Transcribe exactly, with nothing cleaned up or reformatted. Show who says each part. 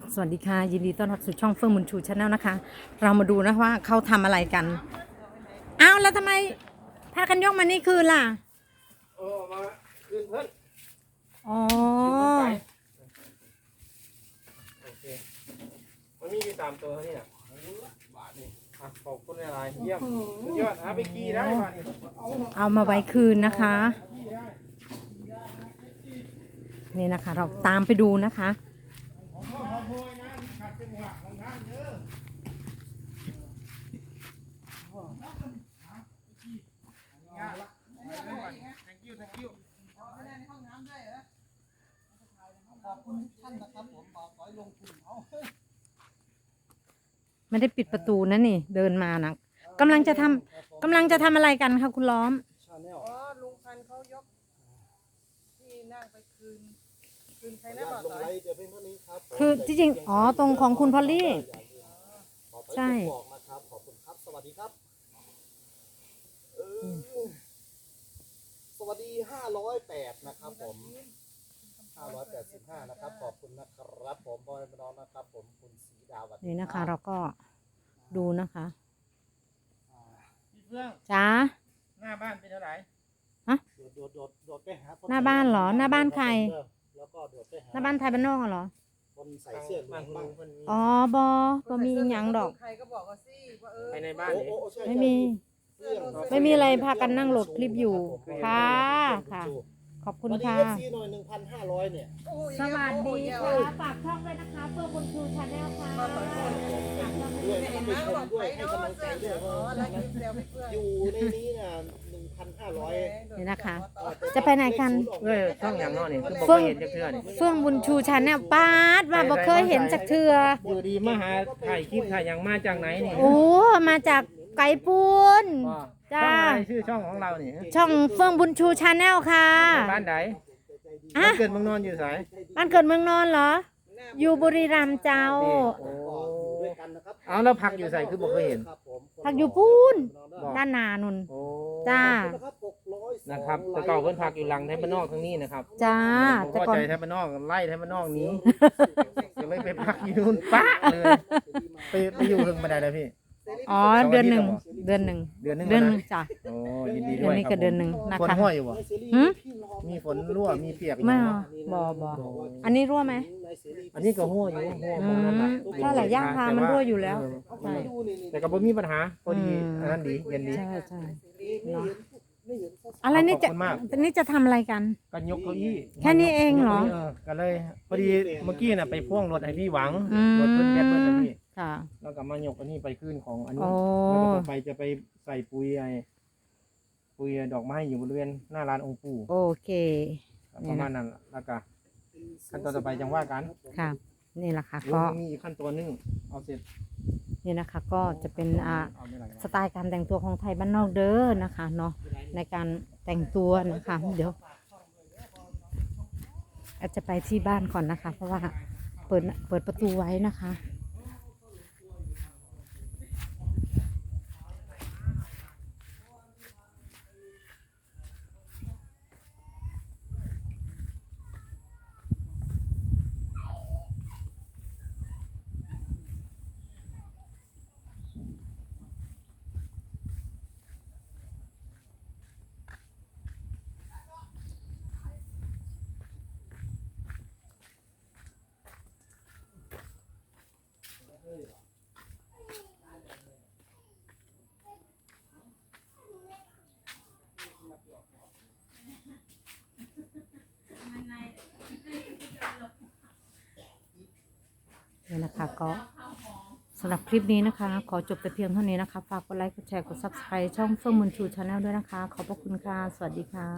Speaker 1: สวัสดีค่ะยินดีต้อนรับสู่ช่องเฟื่องบุญชูชาแนลนะคะเรามาดูนะว่าเขาทำอะไรกันอ้าวแล้วทำไมพากันยกมานี่คืนล่ะ
Speaker 2: เออมาคืนเพิ่น
Speaker 1: อ๋อ
Speaker 2: โอเคมันมีอยู่สามตัวนี่น่ะบาทนี่อ่ะขอบคุณอะไรเยี่ยมสุดยอดหาไปกี่ได้บาทนี่
Speaker 1: เอามาไว้คืนนะคะนี่นะคะเราตามไปดูนะคะไม่ได้ปิดประตูนะนี่เดินมานะกำลังจะทำกำลังจะทำอะไรกันคะคุณล้อม
Speaker 3: อ๋อลุงพันเขายกที่นั่งไปคืนคืนใครนะบอกต่อ
Speaker 1: คือที่จริงอ๋อตรงของคุณพอลลี่ใช่
Speaker 2: ขอบคุณครับสวัสดีครับสวัสดีห้าร้อยแปดนะครับผมห้าร้อยแปดสิบห้านะครับขอบคุณนะครับผมบอยน้องนะครับผมคุณศรีดาวัฒน์
Speaker 1: นี่นะคะเราก็ดูนะคะ
Speaker 2: พี่เฟื่อง
Speaker 1: จ้า
Speaker 2: หน้าบ้านเป็นเท่าไหร่
Speaker 1: ฮะ
Speaker 2: โดดโดดโดดไปหา
Speaker 1: หน้าบ้านเหรอหน้าบ้านใคร
Speaker 2: แล้วก็โดดไปหา
Speaker 1: หน้าบ้านไทยบ้านนอกเหรอ
Speaker 2: คนใส่เสื้อบ้านคุณลุงคนนี้
Speaker 1: อ๋อบอบอมีหยังดอก
Speaker 3: ใครก็บอกว่าสิว่าเออ
Speaker 2: ไปในบ้าน
Speaker 1: ไม่มีไม่มีอะไรพากันนั่งโหลดคลิปอยู่ค่ะค่ะขอบคุณค่ะ
Speaker 2: วันนี้เอฟซีหน่อยหนึ่งพันห้าร้อยเนี่ย
Speaker 1: สวัสดีค่ะฝากช่องด้วยนะคะเพื่อบุญชูชาแนลค่ะ
Speaker 2: ด้วยให้ไปชมด้วยให้กำลังใจด้วยอยู่ในนี้น่ะหนึ่งพันห้าร้อย
Speaker 1: นี่นะคะจะไปไหนกัน
Speaker 2: เอ้ยช่องอย่างน้อยนี่คือบ่เคยเห็นจักเทื่อนี่
Speaker 1: เฟื่องบุญชูชาแนลป้าดว่าบ่เคยเห็นจักเทื่อ
Speaker 2: อยู่ดีมาหาถ่ายคลิปถ่ายอย่างมาจากไหนนี่
Speaker 1: โอ้มาจากไก่ปูน
Speaker 2: จ้าชื่อช่องของเรานี่
Speaker 1: ช่องเฟื่องบุญชูชาแนลค่ะ
Speaker 2: บ้านไหนบ้านเกิดเมืองนอนอยู่ไส
Speaker 1: บ้านเกิดเมืองนอนเหรออยู่บุรีรัมย์เจ้า
Speaker 2: เอาแล้วพักอยู่ไสคือบ่เคยเห็น
Speaker 1: พักอยู่ปูนด้านนานุนจ้า
Speaker 2: นะครับแต่เก่าเพิ่นพักอยู่หลังไทยบ้านนอกทางนี้นะครับ
Speaker 1: จ้า
Speaker 2: แต่ก่อนใจไทยบ้านนอกไล่ไทยบ้านนอกนี้จะไม่ไปพักอยู่นู่นป๊ะเลยไปไปอยู่ถึงบันไดเลยพี่
Speaker 1: อ๋อเดือนหนึ่งเดือนหนึ่ง
Speaker 2: เดือนหนึ่ง
Speaker 1: เดือนหนึ่งจ้ะ
Speaker 2: โอ้ยินดีด้วย
Speaker 1: นี่ก็เดือนหนึ่งนะคะ
Speaker 2: ฝนรั่วอยู่บ่
Speaker 1: หื
Speaker 2: มีฝนรั่วมีเปียก
Speaker 1: ไม่บ่บ่อันนี้รั่วไหม
Speaker 2: อันนี้ก็รั่วอยู่รั่วนั่นแหละ
Speaker 1: ก็หลายย่างพามันรั่วอยู่แล้วใช่
Speaker 2: แต่ก็บ่มีปัญหาพอดีอันนั้นดีเย็นดี
Speaker 1: ใช่ใช่อะไรนี่จะนี่จะทำอะไรกัน
Speaker 2: กันยกเก้าอี้
Speaker 1: แค่นี้เองเหรอ
Speaker 2: ก็เลยพอดีเมื่อกี้น่ะไปพ่วงรถให้พี่หวังรถเพิ่นแก๊สเพิ่นน่ะพี่
Speaker 1: ค่ะ
Speaker 2: แล้วก็มายกอันนี้ไปขึ้นของอันนี้แล้วก็ไปจะไปใส่ปุ๋ยไอ้ปุ๋ยดอกไม้อยู่บริเวณหน้าร้านองค์ปู่
Speaker 1: โอเค
Speaker 2: ประมาณนั้นแล้วก็ขั้นตอนต่อไปจังว่ากัน
Speaker 1: ค่ะนี่แหละค่ะก็
Speaker 2: มีอีกขั้นตอนนึงเอาเสร็จ
Speaker 1: นี่นะคะก็จะเป็นอ่าสไตล์การแต่งตัวของไทยบ้านนอกเด้อนะคะเนาะในการแต่งตัวนะคะเดี๋ยวอาจจะไปที่บ้านก่อนนะคะ เพราะว่าเปิดเปิดประตูไว้นะคะนี่นะคะก็สำหรับคลิปนี้นะคะขอจบแต่เพียงเท่านี้นะคะฝากกดไลค์กดแชร์กดซับสไครต์ช่องเฟื่องบุญชูชาแนลด้วยนะคะขอบพระคุณค่ะสวัสดีค่ะ